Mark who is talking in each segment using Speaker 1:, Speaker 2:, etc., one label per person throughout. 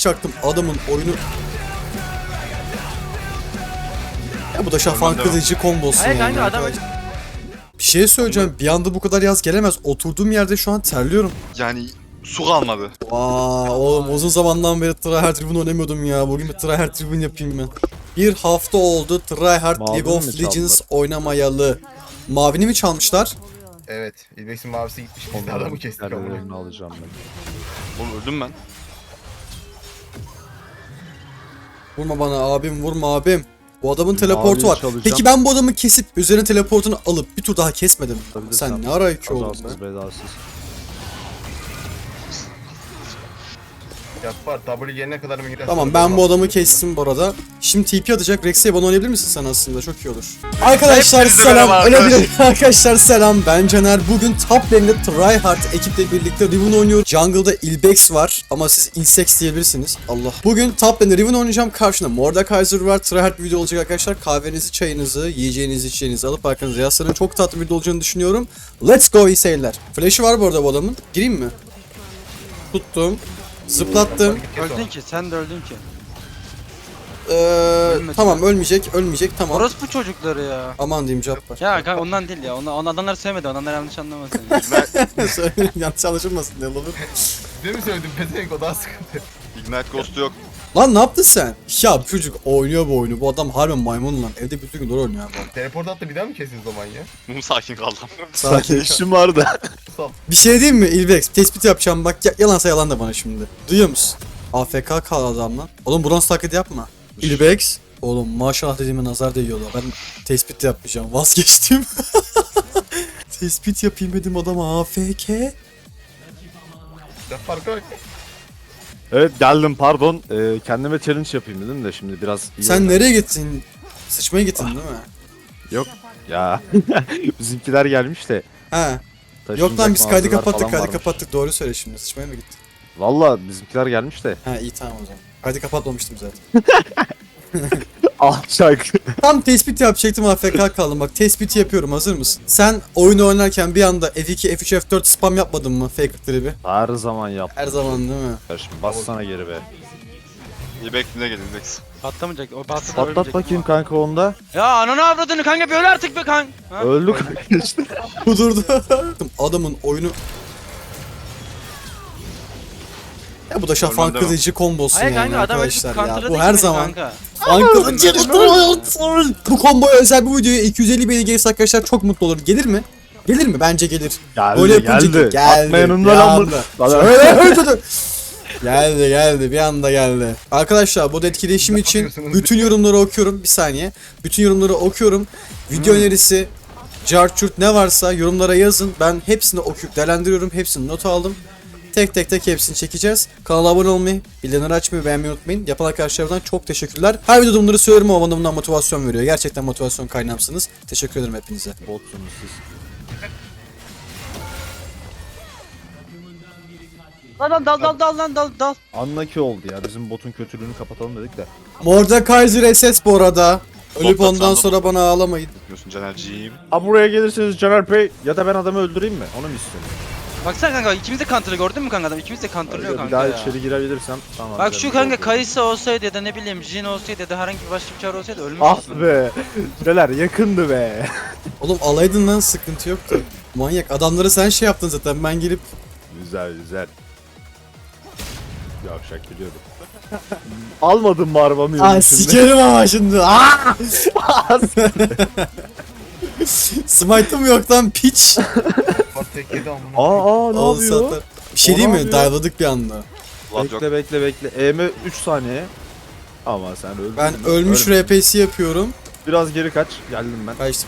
Speaker 1: çaktım adamın oyunu. Ya bu da şafak kılıcı kombosu
Speaker 2: Hayır
Speaker 1: yani.
Speaker 2: kanka adam
Speaker 1: Bir şey söyleyeceğim. Bir anda bu kadar yaz gelemez. Oturduğum yerde şu an terliyorum.
Speaker 3: Yani su kalmadı.
Speaker 1: Vaa oğlum uzun zamandan beri Tryhard Ribbon oynamıyordum ya. Bugün bir Tryhard Ribbon yapayım ben. Bir hafta oldu Tryhard
Speaker 4: Mavini
Speaker 1: League of
Speaker 4: mi
Speaker 1: Legends
Speaker 4: çaldılar?
Speaker 1: oynamayalı. Mavini mi çalmışlar?
Speaker 5: Evet. İlbex'in mavisi gitmiş. Biz de adamı kestik ama.
Speaker 4: Onların alacağım ben.
Speaker 3: Oğlum öldüm ben.
Speaker 1: Vurma bana abim, vurma abim. Bu adamın teleportu var.
Speaker 4: çalacağım.
Speaker 1: Peki ben bu adamı kesip üzerine teleportunu alıp bir tur daha kesmedim.
Speaker 4: Tabii de
Speaker 1: Sen ne ara iki oldun
Speaker 4: Kazasız
Speaker 1: be?
Speaker 4: belasız.
Speaker 5: Yapar. W gelene kadar mı gider?
Speaker 1: Tamam ben bu adamı kestim bu arada. Şimdi TP atacak. Rex'e bana oynayabilir misin sen aslında? Çok iyi olur. Arkadaşlar
Speaker 3: Hepinize
Speaker 1: selam.
Speaker 3: merhaba
Speaker 1: Öyle
Speaker 3: arkadaşlar.
Speaker 1: bir arkadaşlar selam. Ben Caner. Bugün top lane'de Tryhard ekiple birlikte Riven oynuyoruz. Jungle'da Ilbex var ama siz Ilsex diyebilirsiniz. Allah. Bugün top lane'de Riven oynayacağım. Karşımda Mordekaiser var. Tryhard bir video olacak arkadaşlar. Kahvenizi, çayınızı, yiyeceğinizi, içeceğinizi alıp arkanıza yaslanın. Çok tatlı bir video olacağını düşünüyorum. Let's go iyi seyirler. Flash'ı var bu arada bu adamın. Gireyim mi? Tuttum. Zıplattım.
Speaker 2: öldün ki, sen de öldün ki.
Speaker 1: Tamam ölmeyecek tamam.
Speaker 2: Orospu çocukları ya.
Speaker 1: Aman diyeyim cevap var.
Speaker 2: Ya kanka ondan değil ya. Onu adamlar sevmedi. Ondan yanlış anlamasın.
Speaker 1: Yanlış anlaşılmasın ne olur.
Speaker 5: Değil mi söyledim? Pezevenk o daha sıkıntı.
Speaker 3: Ignite Ghost'u yok.
Speaker 1: Lan ne yaptın sen? Ya bu çocuk oynuyor bu oyunu. Bu adam harbiden maymun lan. Evde bütün gün oynuyor bu adam.
Speaker 5: Teleport attı bir daha mı kesin o zaman ya?
Speaker 3: Mum sakin kaldım.
Speaker 1: Sakin.
Speaker 4: İşim vardı.
Speaker 5: Sal.
Speaker 1: Bir şey diyeyim mi Ilbex? Tespit yapacağım bak. Yalansa yalan da bana şimdi. Duyuyor musun? AFK kal adam lan. Oğlum bronz taklidi yapma. Ilbex. Oğlum maşallah dediğime nazar değiyorlar. Ben tespit de yapmayacağım. Vazgeçtim. Tespit yapayım dedim adama AFK.
Speaker 5: Yapar koy.
Speaker 4: Evet geldim pardon. Kendime challenge yapayım dedim de şimdi biraz iyi
Speaker 1: Sen
Speaker 4: oldu.
Speaker 1: nereye gittin? Sıçmaya gittin değil mi?
Speaker 4: Yok ya. Bizimkiler gelmiş de.
Speaker 1: He. Yok
Speaker 4: taşınacak
Speaker 1: lan biz kaydı
Speaker 4: mağazalar
Speaker 1: kapattık
Speaker 4: falan varmış.
Speaker 1: Doğru söyle şimdi. Sıçmaya mı gittin?
Speaker 4: Valla bizimkiler gelmiş de.
Speaker 1: Ha iyi tamam o zaman. Kaydı kapatmamıştım zaten.
Speaker 4: Alçak.
Speaker 1: Tam tespit yapacaktım AFK kaldım bak tespiti yapıyorum hazır mısın? Sen oyunu oynarken bir anda F2, F3, F4 spam yapmadın mı fake tribi?
Speaker 4: Her zaman yap.
Speaker 1: Her zaman değil mi?
Speaker 4: Şimdi bassana geri be.
Speaker 3: İlbek ne gelin Ilbex.
Speaker 2: Patlamayacak. O patladı
Speaker 4: Patlat
Speaker 2: ölecek
Speaker 4: bakayım
Speaker 2: ama.
Speaker 4: kanka onda.
Speaker 2: Ya ananı avradını kanka bir öl artık be kanka. Ha?
Speaker 4: Öldü kanka işte.
Speaker 1: Kudurdu. Adamın oyunu... Ya bu da şafak
Speaker 3: Ölmem
Speaker 1: kılıcı kombosu
Speaker 2: Hayır
Speaker 1: yani
Speaker 2: kanka adam öldü
Speaker 1: arkadaşlar ya.
Speaker 2: counter'ladı
Speaker 1: Bu her
Speaker 2: ki
Speaker 1: zaman.
Speaker 2: kanka.
Speaker 1: Bu komboya özel bu videoya 250 beğeni gelirse arkadaşlar çok mutlu olurum. Gelir mi? Gelir mi? Bence gelir.
Speaker 4: Geldi
Speaker 1: Böyle yapınca
Speaker 4: geldi. Atma yanımdan
Speaker 1: bir
Speaker 4: ama.
Speaker 1: anda. Geldi bir anda geldi. Arkadaşlar bu da etkileşim
Speaker 5: Ne
Speaker 1: için
Speaker 5: yapıyorsunuz?
Speaker 1: bütün yorumları okuyorum. Bir saniye. Bütün yorumları okuyorum. Video önerisi, carçurt ne varsa yorumlara yazın. Ben hepsini okuyup değerlendiriyorum. Hepsini not aldım. Tek hepsini çekeceğiz. Kanala abone olmayı, bildirimleri açmayı, beğenmeyi unutmayın. Yapan arkadaşlarımdan çok teşekkürler. Her videoda bunları söylüyorum ama bana bundan motivasyon veriyor. Gerçekten motivasyon kaynağımsınız. Teşekkür ederim hepinize.
Speaker 4: Botsunuz siz.
Speaker 2: Lan dal.
Speaker 4: Anlaki oldu ya. Bizim botun kötülüğünü kapatalım dedik de.
Speaker 1: Mordekaiser SS bu arada. Ölüp
Speaker 3: Botla
Speaker 1: ondan
Speaker 3: sandım.
Speaker 1: sonra bana ağlamayın.
Speaker 3: Diyorsun Caner'ciğim.
Speaker 4: Ha buraya gelirseniz Caner Bey ya da ben adamı öldüreyim mi? Onu mu istiyorsun?
Speaker 2: Baksana kanka ikimiz de counter'ı gördün mü kanka adam? İkimiz de counter'lıyor
Speaker 4: Bir
Speaker 2: kanka
Speaker 4: daha
Speaker 2: ya.
Speaker 4: içeri girebilirsem tamam.
Speaker 2: Bak
Speaker 4: canım,
Speaker 2: şu kanka
Speaker 4: oldu.
Speaker 2: Kayısı olsaydı ya da ne bileyim Jin olsaydı ya da herhangi bir başka bir çağrı olsaydı ölmüş
Speaker 4: Ah
Speaker 2: aslında.
Speaker 4: be. Neler yakındı be.
Speaker 1: Oğlum alaydın lan sıkıntı yoktu. Manyak adamları sen şey yaptın zaten ben gelip
Speaker 4: Güzel güzel. Yavşak biliyordum. Almadın mı arabamı
Speaker 1: Aa
Speaker 4: yolun içinde?
Speaker 1: sikerim ama şimdi. Aa! Smite'ım yok lan piç.
Speaker 5: Bak tek yedi amına.
Speaker 4: Ne
Speaker 1: Oldu
Speaker 4: yapıyor?
Speaker 1: zaten. Bir şey
Speaker 4: O
Speaker 1: değil
Speaker 4: ne
Speaker 1: mi?
Speaker 4: yapıyor?
Speaker 1: Dive'ladık bir anda.
Speaker 3: Vlad yok.
Speaker 4: Bekle. EM 3 saniye. Ama sen öldün.
Speaker 1: Ben
Speaker 4: mü?
Speaker 1: ölmüş
Speaker 4: Ölme.
Speaker 1: RP'si yapıyorum.
Speaker 4: Biraz geri kaç. Geldim ben.
Speaker 1: Kaçtım.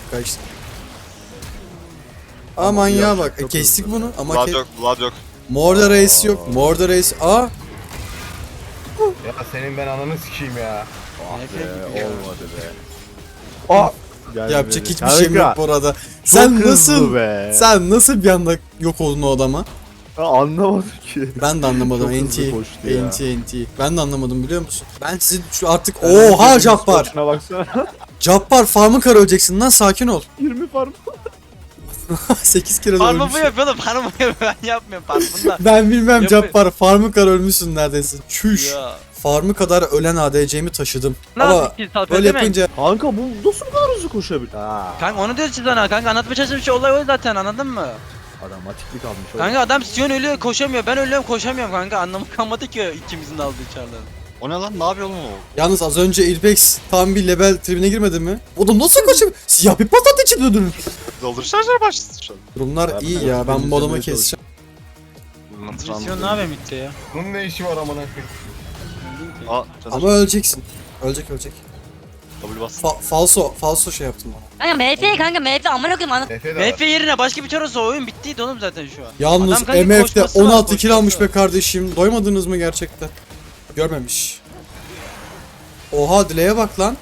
Speaker 1: Aman ya
Speaker 4: yavşak
Speaker 1: bak
Speaker 4: çok
Speaker 1: kestik
Speaker 4: hızlı.
Speaker 1: bunu ama
Speaker 3: Vlad yok. Vlad yok.
Speaker 1: Morda Reis yok. Morda Reis. Aa
Speaker 5: Ya senin ben ananı sikeyim ya.
Speaker 4: Olmadı be. Aa! Geldi
Speaker 1: yapacak
Speaker 4: beni.
Speaker 1: hiçbir şeyim yok
Speaker 4: Kanka,
Speaker 1: bu arada.
Speaker 4: çok
Speaker 1: Sen
Speaker 4: hızlı
Speaker 1: nasıl
Speaker 4: be.
Speaker 1: sen bir anda yok oldun o adama?
Speaker 4: Anlamadım ki.
Speaker 1: Ben de anlamadım.
Speaker 4: Çok hızlı
Speaker 1: NT,
Speaker 4: koştu ya.
Speaker 1: NT. Ben de anlamadım biliyor musun? Ben sizin şu artık oha Cabbar.
Speaker 4: Şuna baksana.
Speaker 1: Cabbar farmı kara öleceksin lan sakin ol.
Speaker 4: 20 farm.
Speaker 1: 8 kere de
Speaker 2: Farmı
Speaker 1: ölmüş.
Speaker 2: bu yapıyor oğlum. Farmı bu yapıyor. Ben yapmıyorum farmında.
Speaker 1: Ben bilmem
Speaker 2: Yapıyor.
Speaker 1: Cappar. Farmı kadar ölmüşsün neredeyse. Çüş.
Speaker 2: Ya.
Speaker 1: Farmı kadar ölen ADC'mi taşıdım.
Speaker 2: Ne
Speaker 1: Ama
Speaker 2: yaptık ki Salper
Speaker 1: böyle
Speaker 2: değil mi?
Speaker 1: yapınca
Speaker 4: Kanka bu nasıl bu kadar hızlı koşabilir? Ha.
Speaker 2: Kanka onu diyoruz sana kanka anlatmaya çalıştığım şey olay o zaten anladın mı?
Speaker 4: Adam atiklik almış oğlum.
Speaker 2: Kanka adam Sion ölüyor koşamıyor ben ölüyorum koşamıyorum kanka anlamı kalmadı ki ikimizin de aldığı çarları.
Speaker 3: O ne lan? Ne yapıyor oğlum o?
Speaker 1: yalnız az önce Ilbex tam bir level tribine girmedi mi? O da nasıl kaçıyor? Siyah bir patlat içinde dönün.
Speaker 3: Doldur şarjlar başladı şu an.
Speaker 1: Durumlar
Speaker 4: Ben-
Speaker 1: iyi
Speaker 4: ben-
Speaker 1: ya. Ben
Speaker 4: ben
Speaker 1: bu adamı
Speaker 4: izlemeye
Speaker 1: keseceğim.
Speaker 2: Sion ne yapıyor mitte ya?
Speaker 5: Bunun ne işi var amına koyayım?
Speaker 3: Aa Caner.
Speaker 1: Ama öleceksin. Ölecek.
Speaker 3: W bas.
Speaker 1: Falso şey yaptım bana.
Speaker 6: Kanka MF kanka MF amına koyayım ana.
Speaker 5: Efe de var.
Speaker 2: MF yerine başka bir çar olsa oyun bittiydi oğlum zaten şu an.
Speaker 1: Yalnız
Speaker 2: Adam kanka
Speaker 1: MF'de
Speaker 2: koşması var,
Speaker 1: 16 kill almış
Speaker 2: koşması
Speaker 1: be kardeşim. Doymadınız mı gerçekten? Görmemiş. Oha dileğe bak lan.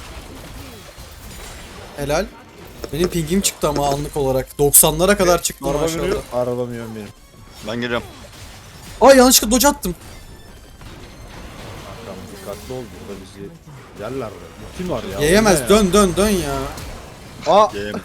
Speaker 1: Helal. Benim pingim çıktı ama anlık olarak. 90'lara kadar çıktı
Speaker 4: Araba
Speaker 1: maşallah.
Speaker 4: biniyor. Araba biniyor benim.
Speaker 3: Ben geliyorum.
Speaker 1: Ay yanlışlıkla dodge attım.
Speaker 4: Tamam dikkatli ol burada bizi yerler. Kim var ya?
Speaker 1: Yiyemez.
Speaker 4: O ne ya?
Speaker 1: Dön ya.
Speaker 4: Aa.
Speaker 3: Game.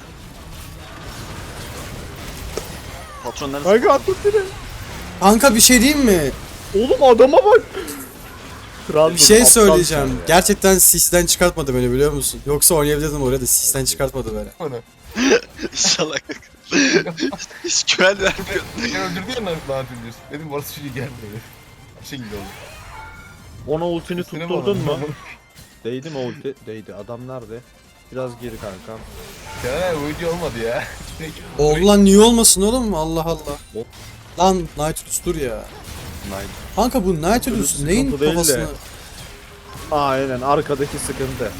Speaker 3: Patron neresi?
Speaker 4: Kanka attın beni.
Speaker 1: Kanka bir şey diyeyim mi?
Speaker 4: Oğlum adama bak. Kral
Speaker 1: Bir şey
Speaker 4: aptal
Speaker 1: söyleyeceğim.
Speaker 4: sen ya.
Speaker 1: Gerçekten sisten çıkartmadı beni biliyor musun? Yoksa oynayabilirdim oraya da sisten çıkartmadı beni.
Speaker 5: Bunu.
Speaker 3: İnşallah. Hiç güven vermiyor.
Speaker 5: Beni öldürdü ya lanet ediyorsun. Dedim orası çocuğu gelmiyor. Şey gibi oldu.
Speaker 4: Ona ultini
Speaker 5: Üstüne
Speaker 4: tutturdun
Speaker 5: mi
Speaker 4: mu?
Speaker 5: aldın?
Speaker 4: Değdi mi ulti? Değdi. Adam nerede? Biraz geri kankam.
Speaker 5: Caner bu video olmadı ya.
Speaker 1: Oldu lan niye olmasın oğlum? Allah Allah.
Speaker 4: Hop.
Speaker 1: Lan Nautilus dur ya.
Speaker 3: Nice.
Speaker 1: Kanka bu Nautilus
Speaker 4: Sıkıntı
Speaker 1: neyin
Speaker 4: değil de.
Speaker 1: kafasını...
Speaker 4: Aynen arkadaki sıkıntı.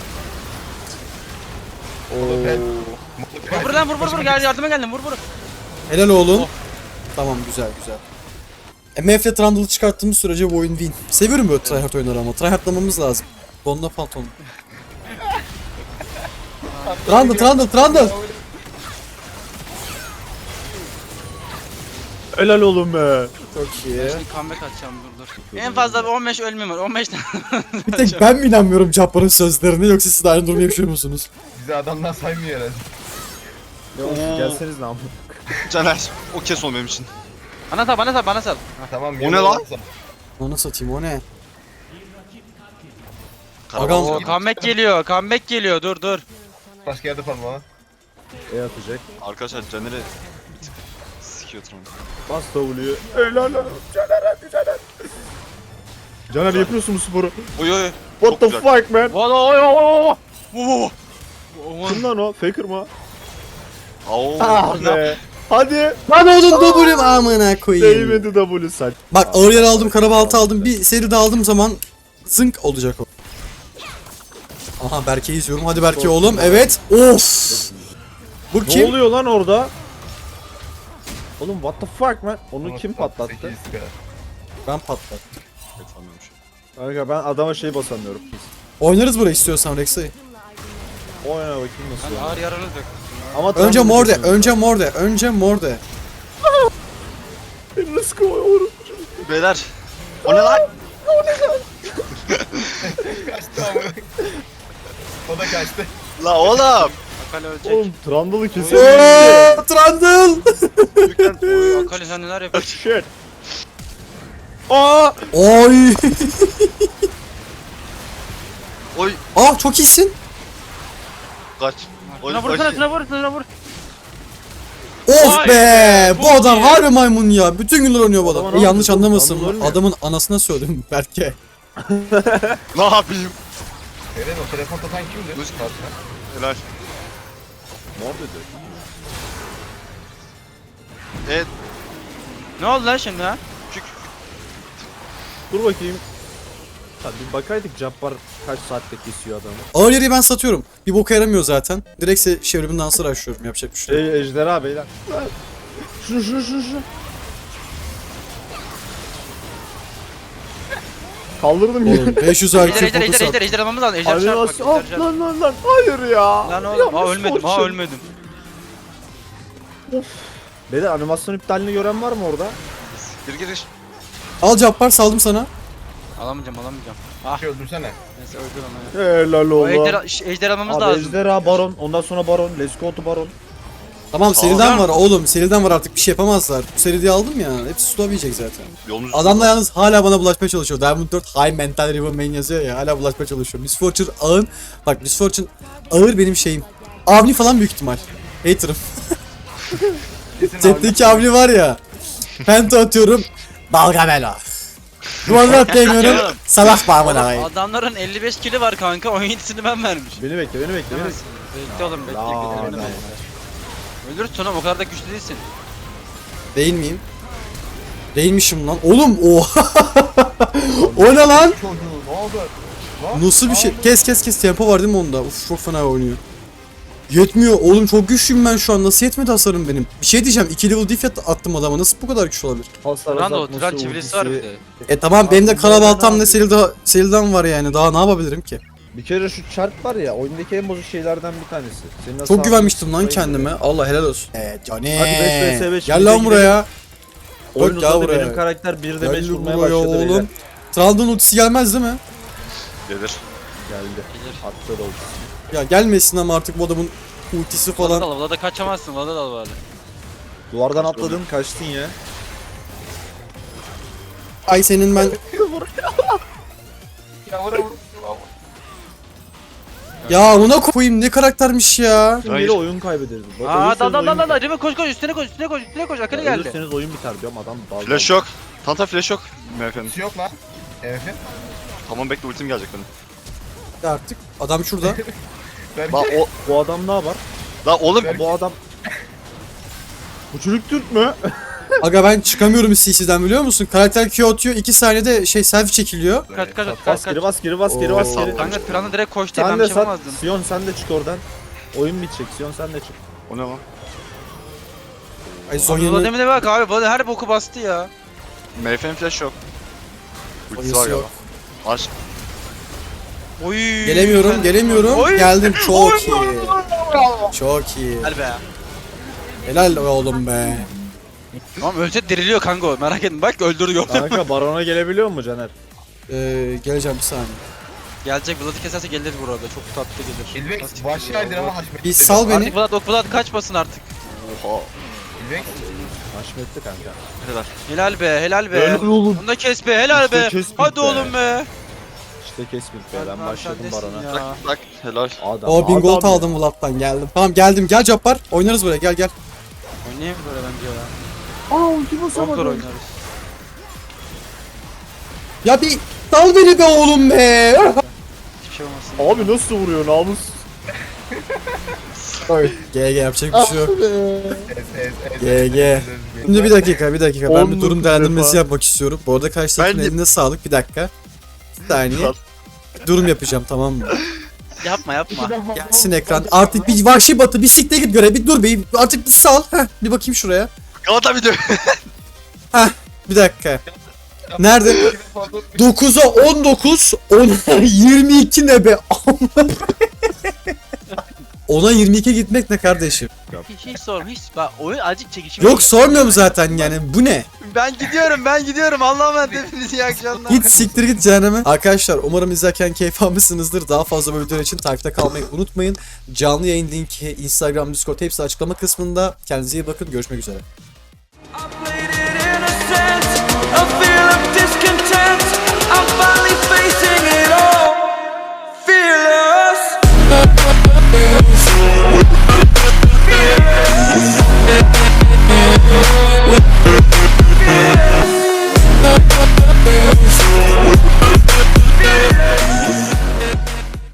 Speaker 2: Vur lan vur gel yardıma geldim vur.
Speaker 1: Helal oğlum. Tamam güzel. MF'le Trundle'ı çıkarttığımız sürece bu oyun win. Seviyorum böyle tryhard oyunları ama. Tryhardlamamız lazım. Donla pantolon. Trundle.
Speaker 4: Helal oğlum be.
Speaker 1: Çok iyi.
Speaker 2: Şimdi comeback atacağım dur. En fazla bir 15 ölmem var 15 tane.
Speaker 1: Bir tek ben mi inanmıyorum Cappar'ın sözlerine yoksa siz de aynı durumu yaşıyor musunuz?
Speaker 5: Bizi adamdan saymıyor herhalde.
Speaker 4: Gelseniz ne yapayım?
Speaker 3: Caner. O kes o benim için.
Speaker 2: Bana sal.
Speaker 5: Tamam.
Speaker 3: O ne lan?
Speaker 1: Onu satayım o ne?
Speaker 3: Karavans
Speaker 2: Oo,
Speaker 3: gibi.
Speaker 2: comeback geliyor dur.
Speaker 5: Başka yerde falan bana.
Speaker 4: Atacak.
Speaker 3: Arkadaşlar Caner'i bir tık sikiyor Tron.
Speaker 4: Bas W'yu. Helal olsun. Caner hadi Caner. Caner yapıyorsun bu sporu.
Speaker 3: Oy.
Speaker 4: What
Speaker 3: Çok
Speaker 4: the
Speaker 3: güzel.
Speaker 4: fuck man?
Speaker 2: Oo.
Speaker 4: Kim lan o? Faker mı?
Speaker 3: Oo.
Speaker 4: Ah be. Hadi.
Speaker 1: Lan oğlum W'm amına koyayım.
Speaker 4: Değmedi W saç.
Speaker 1: Bak ağır yer aldım, karabaltı aldım. Bir seri de aldığım zaman zınk olacak o. Aha Berke'yi izliyorum. Hadi Berke oğlum. Evet. Of. Bu
Speaker 4: Ne
Speaker 1: kim?
Speaker 4: oluyor lan orada? Oğlum what the fuck man? Onu kim patlattı?
Speaker 5: 8K.
Speaker 1: Ben patlattım.
Speaker 3: Sanmıyorum şu
Speaker 4: Kanka ben adama şey basamıyorum.
Speaker 1: Oynarız burayı istiyorsan Rex'i.
Speaker 4: Oyna bakayım nasıl.
Speaker 2: Ağır yaralı dök.
Speaker 4: Ama
Speaker 1: Önce
Speaker 4: Trump'ı
Speaker 1: Morde,
Speaker 4: geçiyorum.
Speaker 1: önce Morde.
Speaker 4: Beni nasıl kovuyorum?
Speaker 3: an. Beyler. O ne lan?
Speaker 5: Kaçtı amına. O da kaçtı.
Speaker 3: La oğlum.
Speaker 2: Akali ölecek.
Speaker 4: Oğlum Trundle'ı kesin.
Speaker 1: Trundle.
Speaker 3: Lütfen.
Speaker 2: Akali sen neler yapıyorsun?
Speaker 4: Shit. Aa!
Speaker 1: Oy.
Speaker 3: Oy.
Speaker 1: Ah çok iyisin.
Speaker 3: Kaç. Oy.
Speaker 2: Şuna vursana şuna vur.
Speaker 1: Of
Speaker 2: Vay
Speaker 1: be.
Speaker 2: be,
Speaker 1: Bu
Speaker 2: çok
Speaker 1: adam
Speaker 2: iyi.
Speaker 1: harbi maymun ya. Bütün günler oynuyor bu adam.
Speaker 4: Adama ne
Speaker 1: Yanlış
Speaker 4: yapıyorsun?
Speaker 1: anlamasın.
Speaker 4: Trundle ölmüyor.
Speaker 1: Adamın anasına söyledim Berke.
Speaker 3: Ne yapayım?
Speaker 5: Eren o telefon tutan kimdi?
Speaker 3: Müzik.
Speaker 5: Karşına.
Speaker 3: Helal.
Speaker 4: Morde diyor.
Speaker 3: Evet.
Speaker 2: Ne oldu lan şimdi ha?
Speaker 4: Dur bakayım. Hadi bir bakaydık Cabbar kaç saatte kesiyor adamı.
Speaker 1: Ağır yeri ben satıyorum. Bir boka yaramıyor zaten. Direktse çevrimin dansları açıyorum. Yapacak bir şey yok.
Speaker 4: Ejderha beyler. Şunu. Kaldırdım ya.
Speaker 1: Oğlum 500 IQ fokus at.
Speaker 2: Ejder almamız lazım. Ejder çarp bak.
Speaker 4: Animasyon.
Speaker 2: Ejder çarp.
Speaker 4: Lan. Hayır ya.
Speaker 2: Lan oğlum
Speaker 4: Yanlış
Speaker 2: ha
Speaker 4: fortune.
Speaker 2: ölmedim.
Speaker 4: Beyler animasyon iptalini gören var mı orada?
Speaker 3: Gir.
Speaker 1: Al Cappar saldım sana.
Speaker 2: Alamayacağım.
Speaker 5: Bir şey öldürsene.
Speaker 2: Neyse öldür onu ya.
Speaker 4: Helal
Speaker 2: O
Speaker 4: oğlum.
Speaker 2: ejder almamız
Speaker 4: Abi
Speaker 2: lazım.
Speaker 4: ejderha baron. Ondan sonra baron. Let's go to baron.
Speaker 1: Tamam
Speaker 3: Tamam.
Speaker 1: seriden var oğlum. Seriden var artık bir şey yapamazlar. Bu seri diye aldım ya. Hepsi slow yiyecek zaten.
Speaker 3: Yolumuz
Speaker 1: Adam da yalnız hala bana bulaşmaya çalışıyor. Diamond 4 High Mental Riven Main yazıyor ya. Hala bulaşmaya çalışıyor. Miss Fortune ağın. Bak Miss Fortune ağır benim şeyim. Avni falan büyük ihtimal. Hater'ım. Chat'teki Avni var ya. Penta atıyorum. Balgamela. Duvarına atlayamıyorum.
Speaker 2: Oğlum.
Speaker 1: Salak bağımına.
Speaker 2: Adamların 55 kili var kanka. 17'sini ben vermişim.
Speaker 4: Beni bekle, beni bekle, beni bekle.
Speaker 2: Bekle oğlum bekle.
Speaker 4: Aa,
Speaker 2: bekle.
Speaker 4: ne?
Speaker 2: Ölürsün oğlum o kadar da güçlü değilsin.
Speaker 1: Değil miyim? Değilmişim lan. Oğlum oha. O ne lan?
Speaker 5: Çocuğu ne oldu?
Speaker 1: Nasıl bir şey? Kes tempo var değil mi onda? Uf çok fena oynuyor. Yetmiyor oğlum çok güçlüyüm ben şu an. Nasıl yetmedi hasarım benim? Bir şey diyeceğim 2 level diff attım adama. Nasıl bu kadar güçlü olabilir?
Speaker 4: Hasar
Speaker 2: Buran da o
Speaker 4: azaltması,
Speaker 2: Turan çevirisi var bir de.
Speaker 1: Tamam benim de karabaltam Seril'den var yani. Daha ne yapabilirim ki?
Speaker 4: Bir kere şu çarp var ya, oyundaki en bozuk şeylerden bir tanesi. Senin
Speaker 1: Çok
Speaker 4: hasarını
Speaker 1: güvenmiştim lan
Speaker 4: tutmayı
Speaker 1: kendime. Allah helal olsun. Johnny.
Speaker 4: Hadi 5 vs 5
Speaker 1: Gel lan buraya.
Speaker 4: Oyun
Speaker 1: Bak ya
Speaker 4: uzadı,
Speaker 1: buraya.
Speaker 4: benim karakter 1'de 5
Speaker 1: Gel
Speaker 4: vurmaya
Speaker 1: buraya
Speaker 4: başladı beyler.
Speaker 1: oğlum. Traldon ultisi gelmez değil mi?
Speaker 3: Gelir.
Speaker 4: Geldi. Attı da ultisi.
Speaker 1: Ya gelmesin ama artık bu adamın ultisi
Speaker 2: Falan.
Speaker 1: falan.
Speaker 2: Vlada kaçamazsın. Vlada dal bari.
Speaker 4: Duvardan atladın, kaçtın ya.
Speaker 1: Ay senin ben... Ya ona koyayım ne karaktermiş ya.
Speaker 4: Şimdi
Speaker 3: Hayır.
Speaker 4: biri oyun kaybederiz. Bak,
Speaker 2: Aa
Speaker 4: ölürseniz
Speaker 2: dal
Speaker 4: oyun biter.
Speaker 2: Rime koş üstüne koş üstüne koş Akali
Speaker 4: Ya,
Speaker 2: geldi.
Speaker 4: ölürseniz oyun biter diyorum adam dal.
Speaker 3: Flash yok. Tanta flash yok. Efendim.
Speaker 5: Hiç yok lan. Evet.
Speaker 3: Tamam bekle ultim gelecek benim.
Speaker 1: Ya artık adam şurada.
Speaker 3: La o
Speaker 4: Bu adam ne yapar?
Speaker 3: la oğlum
Speaker 4: Bu adam... Bu çocuk Türk mü?
Speaker 1: Aga ben çıkamıyorum CC'den biliyor musun? Karakter Q atıyor 2 saniyede selfie çekiliyor.
Speaker 2: Kaç
Speaker 4: Bas geri bas geri bas geri
Speaker 1: Oo.
Speaker 4: bas geri.
Speaker 2: Kanka Turan'ı direkt koştu
Speaker 4: Sen
Speaker 2: ben
Speaker 4: de
Speaker 2: bir şey
Speaker 4: sat.
Speaker 2: yapamazdım.
Speaker 4: Sion sen de çık oradan. Oyun bitecek. Sion sen de çık.
Speaker 3: o ne lan?
Speaker 1: Ay
Speaker 2: Vlada
Speaker 1: Zonya'nın
Speaker 2: demine bak abi Vlada her boku bastı ya.
Speaker 3: MF'nin flash yok. Ultisi var
Speaker 1: Zonya'sı
Speaker 3: galiba.
Speaker 1: yok.
Speaker 3: Aç.
Speaker 2: Oy.
Speaker 1: Gelemiyorum.
Speaker 2: Oy.
Speaker 1: Geldim çok iyi. Çok iyi.
Speaker 2: Gel be.
Speaker 1: Helal oğlum be.
Speaker 2: Tamam ölse diriliyor kanka o merak etme bak öldürüyor.
Speaker 4: Kanka barona gelebiliyor mu Caner?
Speaker 1: Geleceğim bir saniye.
Speaker 2: Gelecek Vlad'ı keserse gelir burada çok tatlı gelir.
Speaker 5: İlbek
Speaker 2: Nasıl
Speaker 5: vahşi
Speaker 2: gidiyor?
Speaker 5: aydın ama haşmetli.
Speaker 1: Bir sal beni.
Speaker 2: Artık Vlad kaçmasın artık.
Speaker 3: Oha.
Speaker 5: İlbek
Speaker 4: Haşmetli kanka.
Speaker 3: Helal.
Speaker 2: Helal be.
Speaker 4: Helal oğlum.
Speaker 2: Onu da kes be helal
Speaker 4: İşte
Speaker 2: be.
Speaker 4: kes
Speaker 2: Hadi
Speaker 4: be.
Speaker 2: oğlum be.
Speaker 4: İşte kesmek be ben
Speaker 2: Hadi
Speaker 4: başladım
Speaker 2: sen
Speaker 4: barona.
Speaker 2: nesin ya?
Speaker 3: Bak helal.
Speaker 4: Adam,
Speaker 1: O 1000 gold
Speaker 4: adam ya.
Speaker 1: aldım Vlad'dan geldim. Tamam geldim gel Cabbar. Oynarız buraya gel.
Speaker 2: Oynayayım böyle bence ya.
Speaker 4: Aa ulti
Speaker 2: Çok zor
Speaker 4: basamadım.
Speaker 2: oynarız.
Speaker 1: Ya bir sal beni be oğlum be.
Speaker 2: Hiçbir şey olmasın.
Speaker 4: Abi nasıl vuruyor namus?
Speaker 1: GG yapacak bir şey yok. GG. Şimdi
Speaker 5: Şimdi
Speaker 1: bir dakika ben
Speaker 4: 10
Speaker 1: bir durum
Speaker 4: defa.
Speaker 1: değerlendirmesi yapmak istiyorum. Bu arada karşı takımın
Speaker 3: Ben de-
Speaker 1: eline sağlık bir dakika. Bir saniye. Durum yapacağım tamam mı?
Speaker 2: Yapma.
Speaker 1: Gelsin ekran. Artık bir vahşi batı bir sikte git göre bir dur be artık bir sal. Heh, bir bakayım şuraya.
Speaker 3: Galata video.
Speaker 1: Bir dakika. Nerede? 9'a 19, 10'a 22 ne be? 10'a 22 gitmek ne kardeşim?
Speaker 2: Hiç sorma hiç. Bak oyun azıcık çekişim.
Speaker 1: Yok sormuyorum zaten yani bu ne?
Speaker 2: Ben gidiyorum. Allah'a emanet hepiniz iyi akşamlar.
Speaker 1: Git siktir git cehenneme. Arkadaşlar umarım izlerken keyif almışsınızdır. Daha fazla böyle videolar için takipte kalmayı unutmayın. Canlı yayın linki, Instagram, Discord hepsi açıklama kısmında. Kendinize iyi bakın. Görüşmek üzere.
Speaker 7: I played it innocent, a feel of discontent. I'm finally